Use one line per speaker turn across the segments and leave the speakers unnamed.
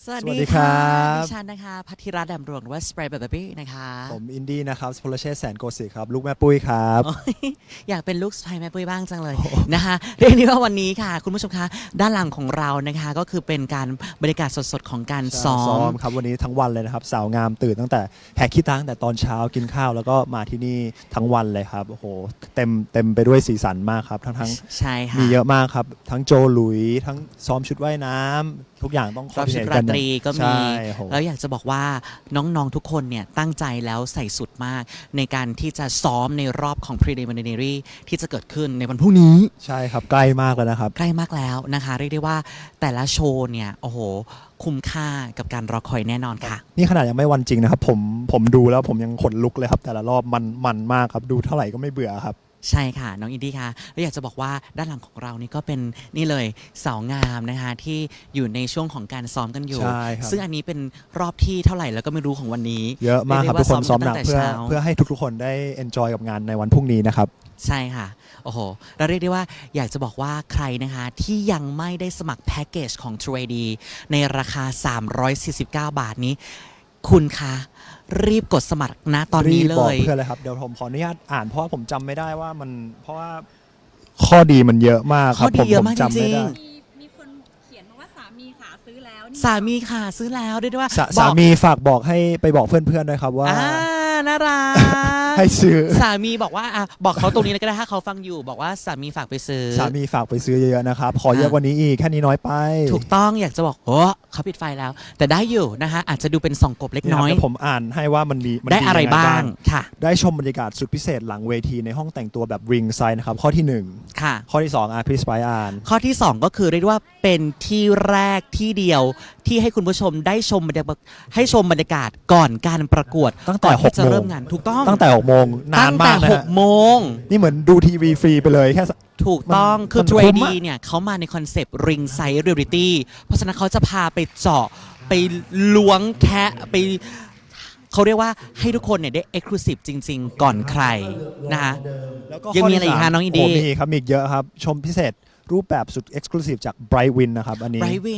สวัสดีครับดิฉันนะคะพัทธิรัตน์แดมดวงหรือว่าสเปรย์แบบบี้นะคะ
ผมอินดี้นะครับสโพลเชษแสนโกศิครับลูกแม่ปุ้ยครับ
อยากเป็นลูกสะใภ้แม่ปุ้ยบ้างจังเลยนะคะเรียกได้ว่าวันนี้ค่ะคุณผู้ชมคะด้านหลังของเรานะคะก็คือเป็นการบรรยากาศสดๆของการซ้อม
ครับวันนี้ทั้งวันเลยนะครับสาวงามตื่นตั้งแต่แหกขี้ตาตั้งแต่ตอนเช้ากินข้าวแล้วก็มาที่นี่ทั้งวันเลยครับโอ้โหเต็มไปด้วยสีสันมากครับทั้ง
ใช่ค่ะ
มีเยอะมากครับทั้งโจหลุยทั้งซ้อมชุดว่ายน้ำทุกอย่างต้อง
รอบชุดราตรีก็มี
แล้
แล้วอยากจะบอกว่าน้องๆทุกคนเนี่ยตั้งใจแล้วใส่สุดมากในการที่จะซ้อมในรอบของ preliminary ที่จะเกิดขึ้นในวันพรุ่งนี้
ใช่ครับใกล้มากแล้วนะครับ
ใกล้มากแล้วนะคะเรียกได้ว่าแต่ละโชว์เนี่ยโอ้โหคุ้มค่ากับการรอคอยแน่นอนค่ะ
นี่ขนาดยังไม่วันจริงนะครับผมดูแล้วผมยังขนลุกเลยครับแต่ละรอบมันมากครับดูเท่าไหร่ก็ไม่เบื่อครับ
ใช่ค่ะน้องอินดี้ค่ะแล้วอยากจะบอกว่าด้านหลังของเรานี่ก็เป็นนี่เลยสาวงามนะคะที่อยู่ในช่วงของการซ้อมกันอยู่ซึ่งอันนี้เป็นรอบที่เท่าไหร่แล้วก็ไม่รู้ของวันนี้
เยอะมากครับทุกคนซ้อมหนักเพื่อให้ทุกคนได้เอนจอยกับงานในวันพรุ่งนี้นะครับ
ใช่ค่ะโอ้โหเราเรียกได้ว่าอยากจะบอกว่าใครนะคะที่ยังไม่ได้สมัครแพ็กเกจของ True ID ในราคา349 บาทนี้คุณคะรีบกดสมัครนะตอนนี้เลย
บอกเพื่อนเลยครับเดี๋ยวผมขออนุญาตอ่านเพราะว่าผมจำไม่ได้ว่ามันเพราะว่าข้อดีมันเยอะมากครับ
ผมจำไม่ได้
มีคนเขียนมาว่าสามีขาซื้อแล้ว
สามีขาซื้อแล้วได้ด้วยว่า
สามีฝากบอกให้ไปบอกเพื่อนๆด้วยครับว่า
น่ารัก
ให้ซื้อ
สามีบอกว่าบอกเขาตรงนี้เลยก็ได้ถ้าเขาฟังอยู่บอกว่าสามีฝากไปซื้อ
สามีฝากไปซื้อเยอะๆนะครับขอเยอะกว่านี้อีกแค่นี้น้อยไป
ถูกต้องอยากจะบอกโอ้เขาปิดไฟแล้วแต่ได้อยู่นะคะอาจจะดูเป็นส่องกบเล็กน้อย
ผมอ่านให้ว่ามัน
ได้อะไรบ้างค่ะ
ได้ชมบรรยากาศสุดพิเศษหลังเวทีในห้องแต่งตัวแบบริงไซด์นะครับข้อที่1
ค่ะ
ข้อที่2พี่สไปอ่าน
ข้อที่2ก็คือเรียกว่าเป็นที่แรกที่เดียวที่ให้คุณผู้ชมได้ชมบรรยากาศก่อนการประกวด
ตั้งแต่6
จะเริ่มงานถูกต้อง
ตั้งแต่6 โมงนานมากนะ
ตั้งแต่6 โมง
นี่เหมือนดูทีวีฟรีไปเลยแค่
ถูกต้องคือ True ID เนี่ยเขามาในคอนเซปต์ Ring Size Reality เพราะฉะนั้นเขาจะพาไปเจาะไปล้วงแคะไปเขาเรียกว่าให้ทุกคนเนี่ยได้ Exclusive จริงๆก่อนใครนะคะยังมีอะไรอีกคะน้องอินดี้
มีครับมีเยอะครับชมพิเศษรูปแบบสุด Exclusive จาก Bright Win นะครับอันนี้
Bright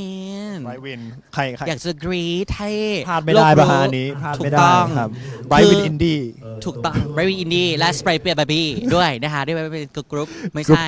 Win
ใคร
อยากจะกรี๊ดให้
พลาดไม่ได้ประหารนี้พลาดไม่ได้ครับ Bright Win Indie
ถูกต้อง Bright Win Indie และ Spray Baby ด้วยนะคะด้วยเป็นกรุ๊ปไม่ใช่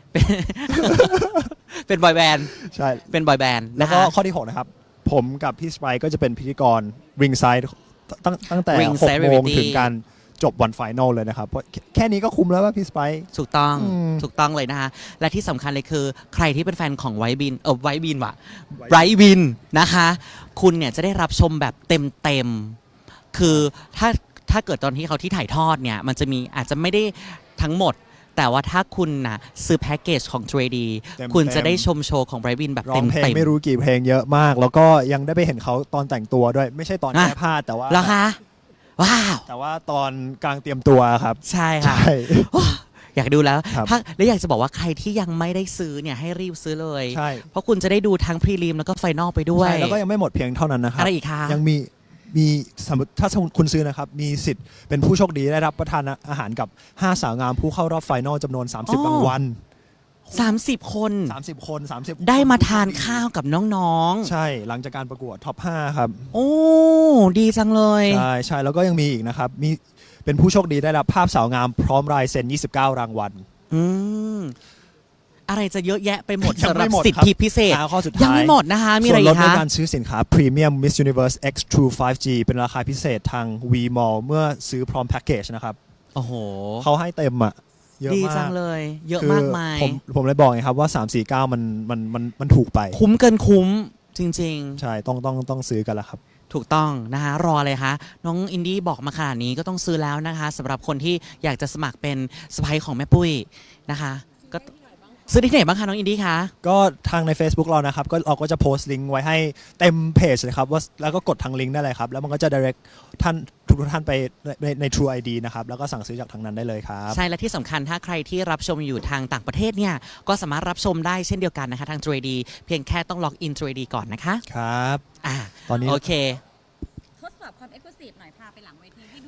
เป็นบอยแบนด์
ใช่
เป็นบอยแบนด์
แล้วก็ข้อที่6นะครับผมกับพี่สไปก็จะเป็นพิธีกร Ringside ตั้งแต่6 โมงถึงการจบวันไฟนอลเลยนะครับเพราะแค่นี้ก็คุ้มแล้วว่าพี่สไป
ถูกต้องเลยนะคะและที่สำคัญเลยคือใครที่เป็นแฟนของไวบินไวบินว่ะไบรท์วินนะคะคุณเนี่ยจะได้รับชมแบบเต็มคือถ้าเกิดตอนที่เขาที่ถ่ายทอดเนี่ยมันจะมีอาจจะไม่ได้ทั้งหมดแต่ว่าถ้าคุณนะซื้อแพ็กเกจของ True ID คุณจะได้ชมโชว์ของไบรท์วินแบบเต็ม
เพลงไม่รู้กี่เพลงเยอะมากแล้วก็ยังได้ไปเห็นเขาตอนแต่งตัวด้วยไม่ใช่ตอนแก้ผ้าแต่ว่า
แล้วคะว้าว
แต่ว่าตอนกลางเตรียมตัวครับ
ใช่ค่ะอยากดูแล้วแล้วอยากจะบอกว่าใครที่ยังไม่ได้ซื้อเนี่ยให้รีบซื้อเลยเพราะคุณจะได้ดูทั้งพรีลิมแล้วก็ไฟนอลไปด้วย
แล้วก็ยังไม่หมดเพียงเท่านั้นนะครับ
อะไรอีกคะ
ยังมีสมมติถ้าคุณซื้อนะครับมีสิทธิ์เป็นผู้โชคดีได้รับประทานอาหารกับ5 สาวงามผู้เข้ารอบไฟนอลจำนวน30 รางวัล
30 คน
30
ได้มาทานข้าวกับน้อง
ๆใช่หลังจากการประกวดท็อป5ครับ
โอ้ดีจังเลย
ใช่แล้วก็ยังมีอีกนะครับมีเป็นผู้โชคดีได้รับภาพสาวงามพร้อมลายเซ็น29 รางวัล
อะไรจะเยอะแยะไปหมดสำหรับสิทธิพิเศษยังไม่หมดนะคะมีอะไรอีกคะ
ส่วนลดในการซื้อสินค้า Premium Miss Universe X True 5G เป็นราคาพิเศษทาง V Mall เมื่อซื้อพร้อมแพ็กเกจนะครับ
โอ้โห
เขาให้เต็มอ่ะเยอะมาก
ดีจังเลยเยอะมากมาย
ผมเลยบอกไงครับว่า349มันถูกไป
คุ้มเกินคุ้มจริง
ๆใช่ต้องซื้อกันแล้วครับ
ถูกต้องนะคะรอเลยคะน้องอินดี้บอกมาขนาดนี้ก็ต้องซื้อแล้วนะคะสำหรับคนที่อยากจะสมัครเป็นสะใภ้ของแม่ปุ้ยนะคะก็ซื้อที่ไหนบ้างคะน้องอินดี้คะ
ก็ทางใน Facebook เรานะครับก็เราก็จะโพสต์ลิงก์ไว้ให้เต็มเพจเลยครับว่าแล้วก็กดทางลิงก์ได้เลยครับแล้วมันก็จะ direct ทุกท่านไปใน True ID นะครับแล้วก็สั่งซื้อจากทางนั้นได้เลยครับ
ใช่และที่สำคัญถ้าใครที่รับชมอยู่ทางต่างประเทศเนี่ยก็สามารถรับชมได้เช่นเดียวกันนะคะทาง True ID เพียงแค่ต้องล็อกอิน True ID ก่อนนะคะ
ครับตอนนี้
โอเค
ทดสอบความ Exclusive หน่อยพาไปหลังเวทีให้ดู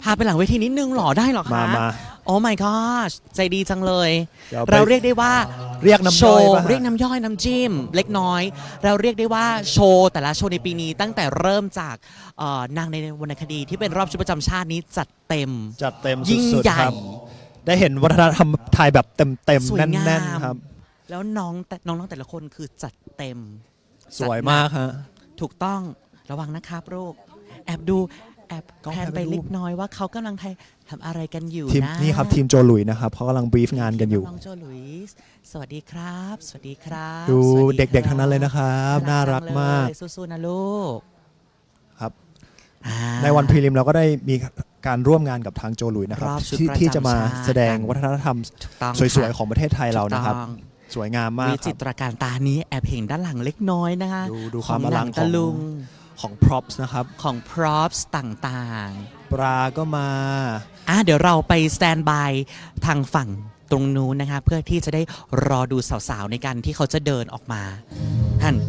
พาไปหลังเวทีนิดนึงหรอได้หรอคะ
มา
โอ้ my gosh ใจดีจังเลย
ดี๋ยวไป
เราเรียกได้ว่า
เรียกน้ำ
โช
ย่อย
ว์
ป่ะฮะ
เรียกน้ำย่อยน้ำจิ้มเล็กน้อย เราเรียกได้ว่าโชว์แต่ละโชว์ในปีนี้ตั้งแต่เริ่มจากนางในวรรณคดีที่เป็นรอบชุดประจำชาตินี้จัดเต็ม
จัดเต็ม
ยิ่ง
สุด
ใหญ่
ๆครับ ได้เห็นวัฒนธรรมไทยแบบเต็ม
ส
ๆ
วย
แน่
งาม
นๆครับ
แล้วน้องแต่ละคนคือจัดเต็ม
สวยมากฮะ
ถูกต้องระวังนะครับลูกแอบดูแอบ
กล้อง
แพน
แพน
ไป
ไปดู
เล็กน้อยว่าเขากำลังทำอะไรกันอยู่
ทีม
นะ
นี่ครับทีมโจหลุยนะครับเขากำลังบรีฟงานกันอยู่
น้องโจลุยส์สวัสดีครับ สวัสดีครับ
ดู
สวัส
เด็กๆทั้งนั้นเลยนะครับ น่ารักมาก
เลยสู้ๆนะลูก
ครับ
อ่า
ในวันพรีลิมเราก็ได้มีการร่วมงานกับทางโจหลุยนะครับ
รอบชุด
ที่
ประจำ
ที่จะมา
ชาติ
แสดงวัฒนธรรม
ถูกต้อง
สวยๆของประเทศไทยเรานะครับ
ถูกต้อง
สวยงามมาก
วิ
ค
จิ
รับ
ตรการตานี้แอบเห็นด้านหลังเล็กน้อยนะคะ
ดูความอลัง
หนัตะลุง
ของ props นะครับ
ของ props ต่างๆ
ปลาก็มา
เดี๋ยวเราไปสแตนบายทางฝั่งตรงนู้นนะคะเพื่อที่จะได้รอดูสาวๆในการที่เขาจะเดินออกมาท่าน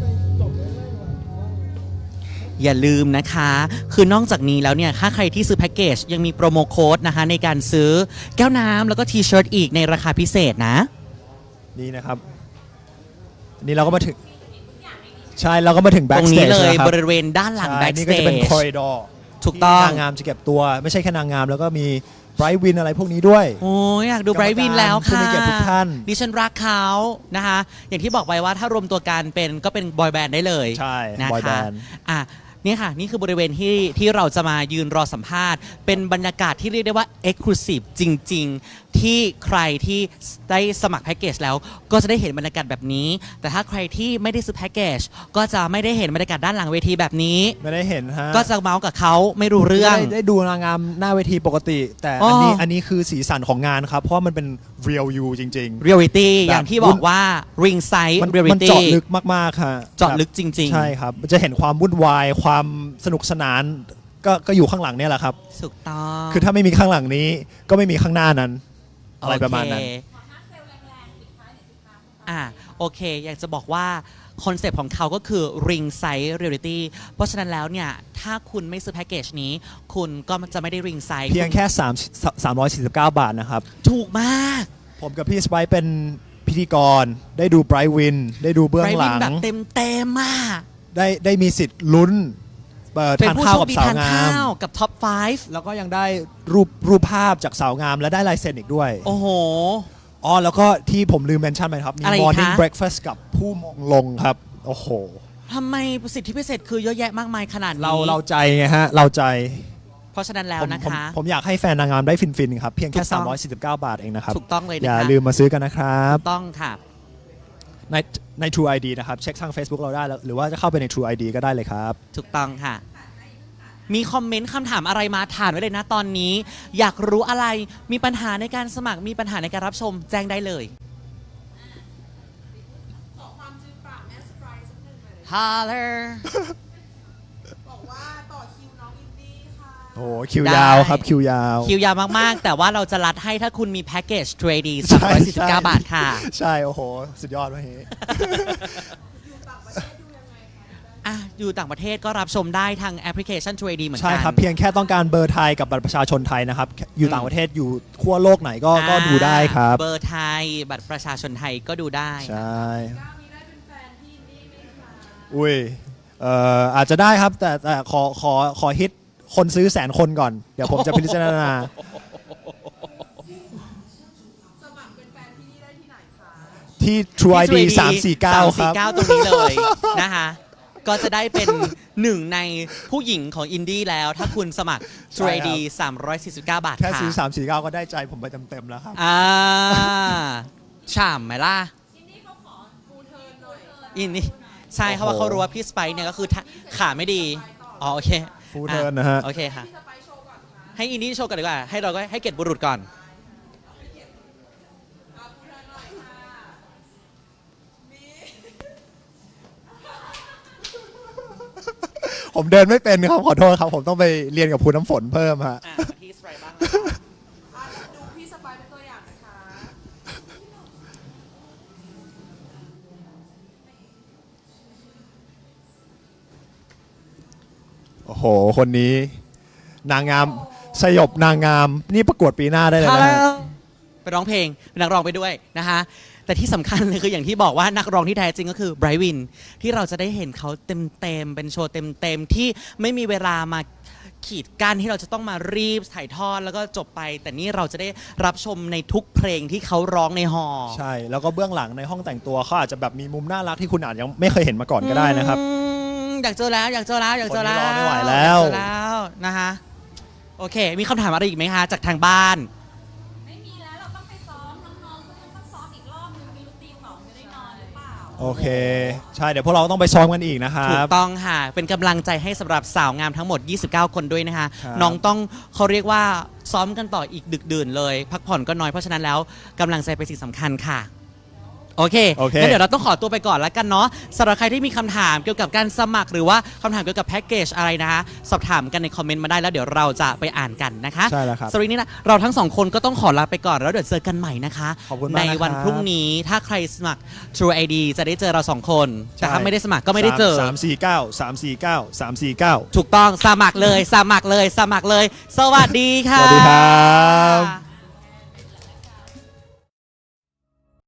อย่าลืมนะคะ คือนอกจากนี้แล้วเนี่ยถ้าใครที่ซื้อแพ็กเกจยังมีโปรโมโค้ดนะคะในการซื้อแก้วน้ำแล้วก็ทีเชิร์ตอีกในราคาพิเศษนะ
นี่นะครับ นี่เราก็มาถึง ใช่เราก็มาถึง
ตรงนี้
backstage
เลย
นะครับ
บริเวณด้านหลัง
ใช่
backstage
นี่ก็จะเป็นคอริดอร์
ถูกต้อง
นางงามจะเก็บตัวไม่ใช่แค่นางงามแล้วก็มีไบรท์วินอะไรพวกนี้ด้วย
โอ้ยอยากดูไบรท์วินแล้ว
ผู้
ค่ะ
มีเกียรติทุกท่าน
ดิฉันรักเขานะคะ อย่างที่บอกไปว่าถ้ารวมตัวกันเป็นบอยแบนด์ได้เลย
ใช่
นะ
บอยแบ
คะ
นด์
นี่ค่ะ นี่คือบริเวณที่เราจะมายืนรอสัมภาษณ์ เป็นบรรยากาศที่เรียกได้ว่า Exclusive จริง ๆ ที่ใครที่ได้สมัครแพ็กเกจแล้วก็จะได้เห็นบรรยากาศแบบนี้ แต่ถ้าใครที่ไม่ได้ซื้อแพ็กเกจก็จะไม่ได้เห็นบรรยากาศด้านหลังเวทีแบบนี้
ไม่ได้เห็นฮะ
ก็จะเมาส์กับเขาไม่รู้เรื่อง
ได้ดูนางงามหน้าเวทีปกติ แต่
อ๋อ
อันนี้คือสีสันของงานครับ เพราะว่ามันเป็น real you จริง
เรียลิตี้
แบบ
อย่างที่บอกว่า ring side
ๆ มัน
reality
เจาะลึกมากๆค่ะ
เจาะลึกจริง
ใช่ครับมันจะเห็นความวุ่นวายความสนุกสนานก็อยู่ข้างหลังเนี่ยแหละครับ
ถูกต้อง
คือถ้าไม่มีข้างหลังนี้ก็ไม่มีข้างหน้านั้น อะไรประมาณนั้น
โอเคโอเค อยากจะบอกว่าคอนเซปต์ของเขาก็คือ ring side reality เพราะฉะนั้นแล้วเนี่ย ถ้าคุณไม่ซื้อแพ็กเกจนี้ คุณก็จะไม่ได้ ring side
เพียงแค่349 บาทนะครับ
ถูกมาก
ผมกับพี่สไปซ์เป็นพิธีกร ได้ดูไบรท์วิน ได้ดูเบื้องหลั
Bright
ง
Win แบบเต็มมาก
ได้มีสิทธิ์ลุ้น
เป็น
ทาน
ผู้
ข้าว
โช
กั
ค
บ
ดี
สาว
ทาน
งา
ข้าม วกับท็อป
แล้วก็ยังได้รูปภาพจากสาวงามและได้ลายเซ็นอีกด้วย
5 โอ้โห
อ๋อ แล้วก็ที่ผมลืมเมนชั่นไปครับ มี
อะไรอีกคะ
morning breakfast กับผู้มงลงครับ โอ้โห
ทำไมสิทธิพิเศษคือเยอะแยะมากมายขนาดนี้
เราใจไงฮะ เราใจ
เพราะฉะนั้นแล้วนะคะ
ผมอยากให้แฟนนางงามได้ฟินๆครับ เพียงแค่
ถูกต้อง
349 บาทเองนะครับ
ถูกต้องเลย
อ
นะ
ย่า
คะ
ลืมมาซื้อกันนะครับ
ถูกต้องค่ะ
ใน True ID นะครับ เช็คทาง Facebook เราได้แล้วหรือว่าจะเข้าไปใน True ID ก็ได้เลยครับ
ถูกต้องค่ะ มีคอมเมนต์คำถามอะไรมาถามไว้เลยนะตอนนี้ อยากรู้อะไร มีปัญหาในการสมัคร มีปัญหาในการรับชม แจ้งได้เลย
ขอความจืดปากแม่สไปร์สักหนึ่งเลย
ฮาเลอร์
บอกว่าต่อคิวน้องอินดี้ค่ะ
โอ้โหคิวยาวครับคิวยาว
คิวยาวมากๆ แต่ว่าเราจะรัดให้ถ้าคุณมีแพ็กเกจ 3D
ใช่
349 บาทค่ะ
ใช่ โอ้โห สุดยอดวะเฮ้
อยู่ต่างประเทศดูยังไงคะ
อยู่ต่างประเทศก็รับชมได้ทางแอปพลิเคชัน 3D เหมือน
ใช่
กัน
ครับ เพียงแค่ต้องการเบอร์ไทยกับบัตรประชาชนไทยนะครับ อยู่ต่างประเทศอยู่ขั้วโลกไหนก็ดูได้ครับ
เบอร์ไทย บัตรประชาชนไทยก็ดูได้
ใช่
ก้าวนี้ได้เป็นแฟนที่อินดี้ไหมคะ
อุ้ยอาจจะได้ครับ แต่ขอฮิตคนซื้อ100,000 คนก่อน เดี๋ยวผมจะพิจารณา
สมัครเป็นแฟนที่นี่ได้ที่ไหนคะ
ที่ True ID
ที่
349 ครับ
349 ตรงนี้เลย นะคะ ก็จะได้เป็นหนึ่งในผู้หญิงของอินดี้แล้ว ถ้าคุณสมัคร
ใช่
3D 349 บาท
แค่
ค่ะ
ซื้อ349 ก็ได้ใจผมไปเต็มๆแล้วครับ
ฉ่ำไหมล่ะ
อินดี้เขาขอฟูลเทิร์นหน่อย
อินดี้ใช่เขาว่าเขารู้ว่าพี่สไปซ์เนี่ยก็คือขาไม่ดี อ๋อโอเค
Full turn นะฮะ
โอเคค่ะ
สไปร์โชว์ก่อนค่ะ
ให้อินดี้โชว์กันดีกว่า ให้เราก็ให้เกียรติบุรุษก่อน
เอาฟูลเทิร์นหน่อยค่ะมี
ผมเดินไม่เป็นครับ ขอโทษครับ ผมต้องไปเรียนกับครูน้ำฝนเพิ่มฮะ
พี่สไปซ์บ้าง
ดูพี่สไปร์เป็นตัวอย่างนะคะ
โอ้โห คนนี้นางงามสยบนางงามนี่ประกวดปีหน้าได้เลยนะฮะ
ไปร้องเพลงเป็นนักร้องไปด้วยนะคะแต่ที่สำคัญเลยคืออย่างที่บอกว่านักร้องที่แท้จริงก็คือไบรท์วินที่เราจะได้เห็นเขาเต็มๆเป็นโชว์เต็มๆที่ไม่มีเวลามาขีดกั้นที่เราจะต้องมารีบถ่ายทอดแล้วก็จบไป แต่นี่เราจะได้รับชมในทุกเพลงที่เขาร้องในฮอลล์
ใช่แล้วก็เบื้องหลังในห้องแต่งตัวเขาอาจจะแบบมีมุมน่ารักที่คุณอาจยังไม่เคยเห็นมาก่อนก็ได้นะครับ
อยากเจอแล้วอยากเจอแล้วอยากเจอแล้ว
คนนี้รอไม่ไหวแล้ว
อยากเจอแล้วนะคะโอเค มีคำถามอะไรอีกไหมคะจากทางบ้าน
ไม่มีแล้วเราต้องไปซ้อมน้องๆก็ยังต้องซ้อมอีกรอบนึงมีตีสองจะได้นอนหรือเปล่า
โอเค ใช่เดี๋ยวพวกเราต้องไปซ้อมกันอีกนะครั
ถูก
บ
ต้องค่ะ เป็นกำลังใจให้สำหรับสาวงามทั้งหมด 29 คนด้วยนะคะ
ครับ
น้องต้องเขาเรียกว่าซ้อมกันต่ออีกดึกดื่นเลย พักผ่อนก็น้อยเพราะฉะนั้นแล้วกำลังใจเป็นสิ่งสำคัญค่ะ โอเค
โอเค
งั้นเดี๋ยวเราต้องขอตัวไปก่อนแล้วกันเนาะสำหรับใครที่มีคำถามเกี่ยวกับการสมัครหรือว่าคำถามเกี่ยวกับแพ็กเกจอะไรนะคะสอบถามกันในคอมเมนต์มาได้แล้วเดี๋ยวเราจะไปอ่านกันนะคะ
ใช่แล้วครับ
สำหรับวันนี้นะเราทั้งสองคนก็ต้องขอลาไปก่อนแล้วเดี๋ยวเจอกันใหม่นะคะ
ขอบคุณมาก
ใน
นะครับ
วันพรุ่งนี้ถ้าใครสมัคร True ID จะได้เจอเราสองคนแต่ถ้าไม่ได้สมัครก็ไม่ได้เจอ
349 349 349
ถูกต้องสมัครเลยสมัครเลยสมัครเลย สวัสดี
ส
ค่ะ
วัสดีครับ